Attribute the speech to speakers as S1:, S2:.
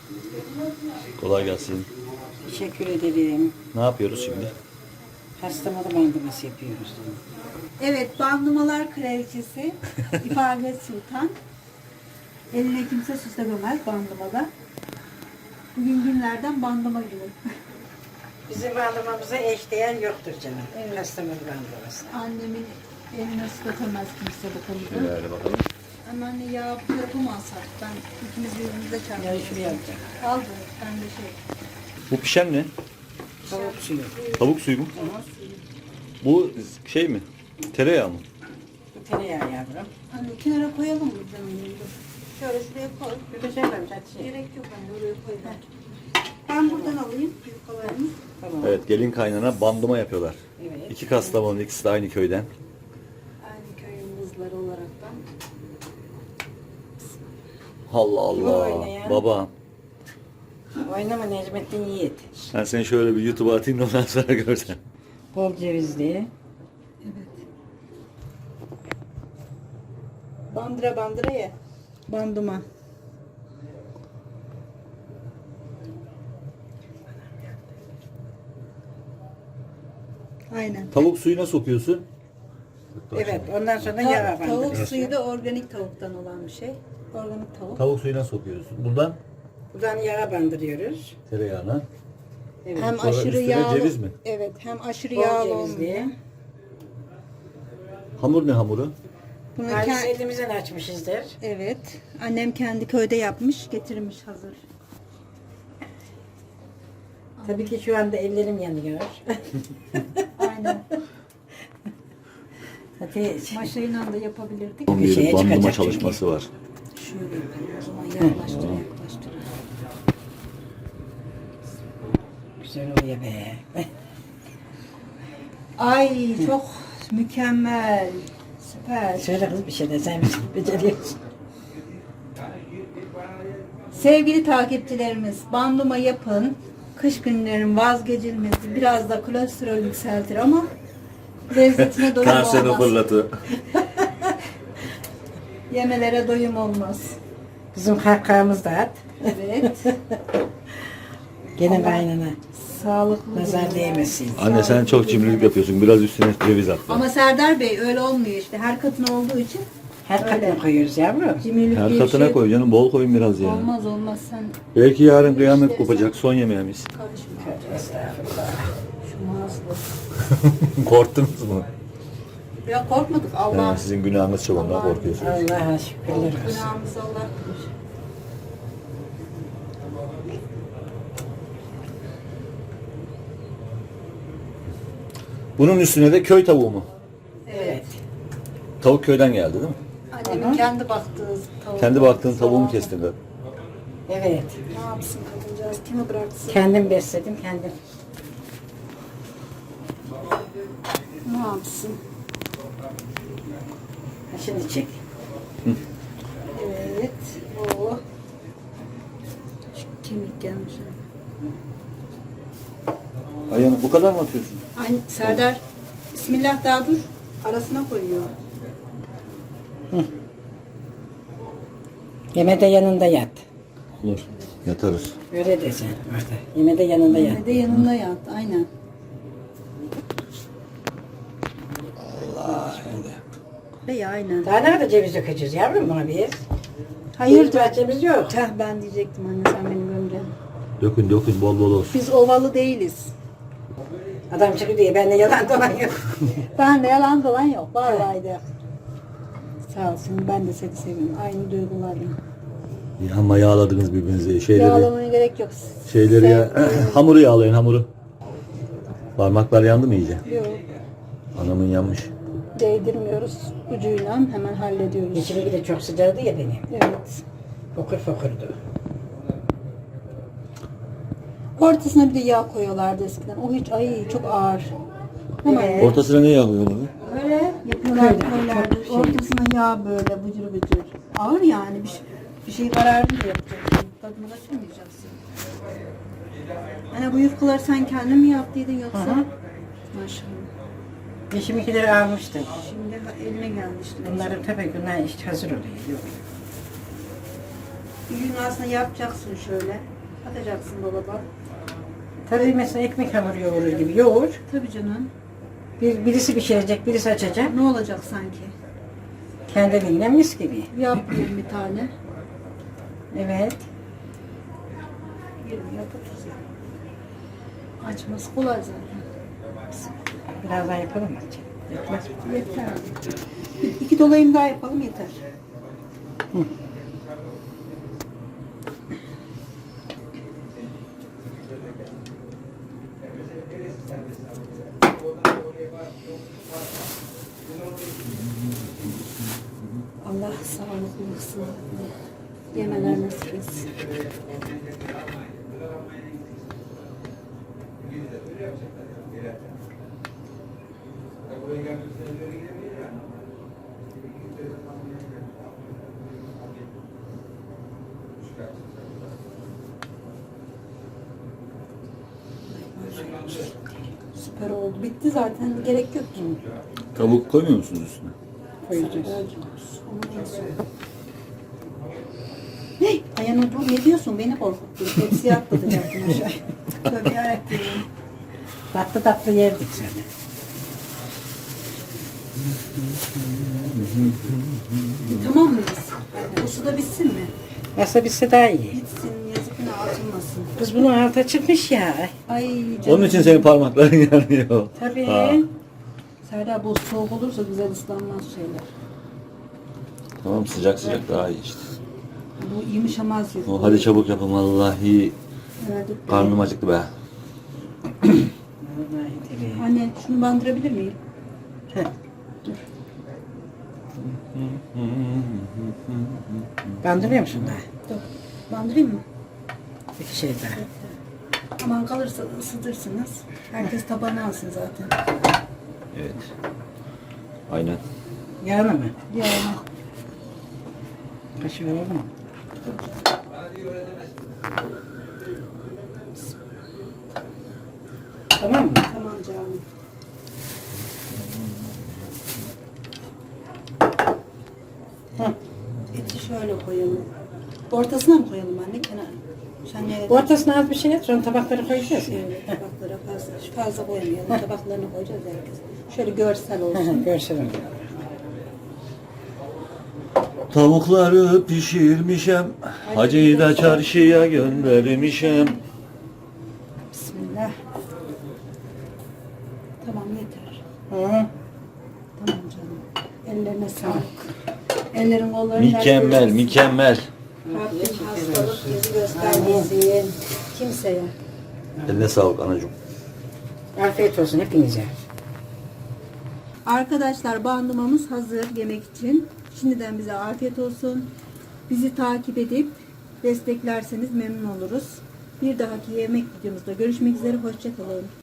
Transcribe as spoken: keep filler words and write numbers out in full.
S1: Kolay gelsin.
S2: Teşekkür ederim.
S1: Ne yapıyoruz şimdi?
S2: Hastamada bandıması yapıyoruz.
S3: Evet, bandımalar kraliçesi İfade Sultan. Eline kimse süslememez bandımada. Bugün günlerden bandıma günü.
S2: Bizim bandımamıza eşdeğer yoktur canım. Evet. Hastamada bandıması.
S3: Annemin eline süsletemez kimse bu konuda.
S1: Şöyle bakalım.
S3: Anneanne ya yapamazsak ben ikimiz birbirimize
S2: Yani
S3: çarpmışız.
S2: şuraya alacağım.
S3: Aldı, ben de şey.
S1: Bu pişen ne?
S2: Tavuk suyu.
S1: Tavuk suyu mu? Bu şey mi? Tereyağı mı?
S2: Bu tereyağı yavrum.
S3: Anne kenara koyalım mı canım benim? Dur. Şöyle şuraya koy.
S2: Bir de şey koymuş hadi şey.
S3: Gerek yok anne, oraya koy ben. Ben buradan alayım yufkalarımı.
S2: Tamam.
S1: Evet, gelin kaynana bandıma yapıyorlar.
S2: Evet.
S1: İki Kastamonu, ikisi de aynı köyden.
S3: Aynı köyün kızları olaraktan.
S1: Allah
S2: Kim
S1: Allah.
S2: oynayan?
S1: Baba,
S2: Oynama Necmettin Yiğit.
S1: ben seni şöyle bir YouTube'a atayım da ondan sonra görsen.
S2: Bol cevizli.
S3: Bandıra bandıra ye. Bandıma. Aynen.
S1: Tavuk suyuna sokuyorsun.
S2: Evet ondan sonra
S3: Ta-
S2: yağ
S3: tavuk
S2: bandırıyorsun.
S3: suyu da organik tavuktan olan bir şey. Organik tavuk.
S1: Tavuk suyuna sokuyorsun. Buradan
S2: Buradan yağa bandırıyoruz.
S1: tereyağına.
S2: Evet.
S3: Hem
S1: Sonra
S3: aşırı
S1: üstüne
S3: yağlı.
S1: ceviz mi?
S3: Evet, hem aşırı
S2: Bol
S3: yağlı olmuyor.
S2: cevizli.
S1: Hamur ne hamuru?
S3: Bunu
S2: Halbuki
S3: ke-
S2: elimizden açmışızdır.
S3: evet. Annem kendi köyde yapmış, getirmiş hazır.
S2: Tabii ki şu anda ellerim yanıyor.
S3: Aynen.
S2: Hadi
S3: Maşayla da yapabilirdik.
S1: Onun
S2: Bir
S1: bir
S2: şeye
S1: bandırma
S2: çıkacak
S1: çalışması var.
S3: Şöyle yapalım o zaman yaklaştır yaklaştır.
S2: güzel oluyor be.
S3: Ay çok mükemmel. Süper.
S2: Söyle kız bir şey de sen beceriyorsun.
S3: Sevgili takipçilerimiz, bandıma yapın. Kış günlerin vazgeçilmezi biraz da kolesterol yükseltir ama lezzetine doyum olmaz.
S1: fırlatı.
S3: Yemelere doyum olmaz.
S2: Bizim kahkahamız da at.
S3: Evet.
S2: Gene
S3: Allah-
S2: kaynana.
S3: Sağlıklı.
S2: Nazar
S3: günler.
S2: değmesin.
S1: Anne sen çok cimrilik yapıyorsun. Biraz üstüne ceviz at.
S3: Ama Serdar Bey öyle olmuyor işte. Her katına olduğu için
S2: Her
S3: Öyle.
S2: katına koyuyoruz yavrum.
S3: cimrilik
S1: Her
S3: diye bir
S1: katına
S3: şey
S1: koy canım. Bol koyun biraz ya.
S3: olmaz olmaz sen
S1: Belki yarın kıyamet
S3: İşte
S1: kopacak. Son yemeğimiz.
S3: karışma.
S2: Estağfurullah.
S3: Şu mağazada.
S1: Korktunuz mu?
S3: Ya korkmadık Allah.
S1: Yani sizin günahınız çok ondan
S3: Allah-
S1: korkuyorsunuz.
S2: Allah'a şükürler olsun.
S3: Günahımızı Allah bilir.
S1: Bunun üstüne de köy tavuğu mu?
S2: Evet.
S1: Tavuk köyden geldi değil mi?
S3: Annemin kendi baktığı tavuk.
S1: Kendi baktığın tavuğu mu kestin de?
S2: Evet.
S3: Ne yapsın kadıncağız? Kimi bıraksın?
S2: Kendim besledim kendim.
S3: Ne yapsın?
S2: Ha, Şimdi çek.
S3: Evet. Oo. Şu kemik gelmiş.
S1: Ayağını bu kadar mı atıyorsun?
S3: Aynı Serdar. Bismillah daha dur. Arasına koyuyor.
S2: Yemede yanında yat.
S1: Olur. Yatarız.
S2: Öyle desen orada. Yemede yanında yat.
S3: Yine de yanında yat. Aynen.
S1: Allah şimdi.
S3: Ve aynen.
S2: Daha nerede ceviz dökeceğiz yavrum buna biz?
S3: Hayır.
S2: Ceviz bahçemiz yok.
S3: Teh ben diyecektim anne sen benim gömleğim.
S1: Dökün dökün bol bol olsun.
S3: Biz ovalı değiliz.
S2: Adam çıkıyor diye bende yalan dolan yok.
S3: Ben de yalan dolan yok. Vallahi de. Sağ olsun ben de seni seviyorum. Aynı duygularla.
S1: Ya ama yağladınız birbirinizi. Şeyleri,
S3: Yağlamaya gerek yok.
S1: şeyleri ya.
S3: Sevgilim.
S1: Hamuru yağlayın hamuru. Parmaklar yandı mı iyice?
S3: Yok.
S1: Anamın yanmış.
S3: Değdirmiyoruz. Ucuyla hemen hallediyoruz.
S2: İçimi de çok sıcaktı ya benim.
S3: Evet.
S2: Fokur fokurdu.
S3: Ortasına bir de yağ koyuyorlardı eskiden. O hiç ay çok ağır. Ama
S2: Evet.
S1: Ortasına ne yağ koyuyorsun abi?
S3: öyle yapıyorlardı
S2: Köyde,
S3: koyuyorlardı.
S2: çok şey.
S3: Ortasına yağ böyle bıcır bıcır. Ağır yani bir, şey- bir şey kararlı da yapacaksın. Tadını kaçırmayacaksın. Hani bu yufkaları sen kendin mi yaptıydın yoksa?
S2: Hı hı.
S3: Maşallah.
S2: Yeşimkileri almıştım.
S3: Şimdi ha- eline geldi işte.
S2: Bunların tabii bunlar işte hazır oluyor. Yok.
S3: Bir gün aslında yapacaksın şöyle. Atacaksın dolaba.
S2: Tabii mesela ekmek hamuru yoğurur gibi yoğur.
S3: Tabii canım.
S2: Bir, birisi pişirecek, birisi açacak.
S3: Ne olacak sanki?
S2: Kendiliğinden mis gibi.
S3: Yapayım bir tane.
S2: Evet.
S3: yirmi yap otuz yap. Açması kolay zaten.
S2: Birazdan yapalım mı? Yetmez mi?
S3: Yeter. Bir- İki dolayım daha yapalım yeter. Allah sağlıklı, sağlıklı yemeler nasip etsin. Süper oldu. Bitti zaten. Gerek yok ki.
S1: Tavuk koymuyor musunuz üstüne?
S2: Koyacağız.
S3: Onu en son. Hey, Ayhan'a dur ne diyorsun? Beni korkuttun. Tepsiye atlatacaktın aşağı. Tövbe yarabbim.
S2: Tatlı tatlı yerdik seni.
S3: Tamam mıyız? Bu su da bitsin mi?
S2: Nasıl bitse daha iyi.
S3: Bitsin. Yazık günah atılmasın.
S2: Kız bunun altı çıkmış ya.
S3: Ay canım.
S1: Onun için senin parmakların yanıyor.
S2: Tabii.
S1: Ha.
S3: Serdar bu soğuk olursa güzel ıslanmaz şeyler.
S1: Tamam sıcak sıcak daha iyi işte.
S3: Bu yumuşamaz yüzü.
S1: O, hadi çabuk yapın vallahi.
S3: Verdik be.
S1: Karnım acıktı be.
S2: Vallahi tabii.
S3: Anne şunu bandırabilir miyim?
S2: Heh. Bandırıyor musun daha?
S3: Dur. Bandırayım mı?
S2: Bir şey daha.
S3: Aman kalırsa ısıtırsınız. Herkes tabağına alsın zaten.
S1: Evet. Aynen.
S2: Yağını mı?
S3: Yani.
S2: Kaşığı alalım mı? Tamam mı?
S3: Tamam canım.
S2: Hı.
S3: Eti şöyle koyalım. Ortasına mı koyalım anne kenara? Sen nereye?
S2: Ortasına az bir şey et, sonra tabakları koyacağız ya.
S3: Şöyle tabaklara fazla, fazla koymayalım. Tabaklarını koyacağız herkes. Şöyle görsel olsun.
S2: Görselim.
S1: Tavukları pişirmişem. Hacıyı da çarşıya göndermişem.
S3: Bismillah. Tamam yeter.
S2: Hı.
S3: Tamam canım. Ellerine sağlık. Ellerin kolların
S1: Mükemmel, mükemmel.
S3: Rabbim hastalık yüzü göstermesin. Kimseye.
S1: Eline sağlık anacığım.
S2: Afiyet olsun hepinize.
S3: Arkadaşlar bandımamız hazır yemek için. Şimdiden bize afiyet olsun. Bizi takip edip desteklerseniz memnun oluruz. Bir dahaki yemek videomuzda görüşmek üzere. Hoşça kalın.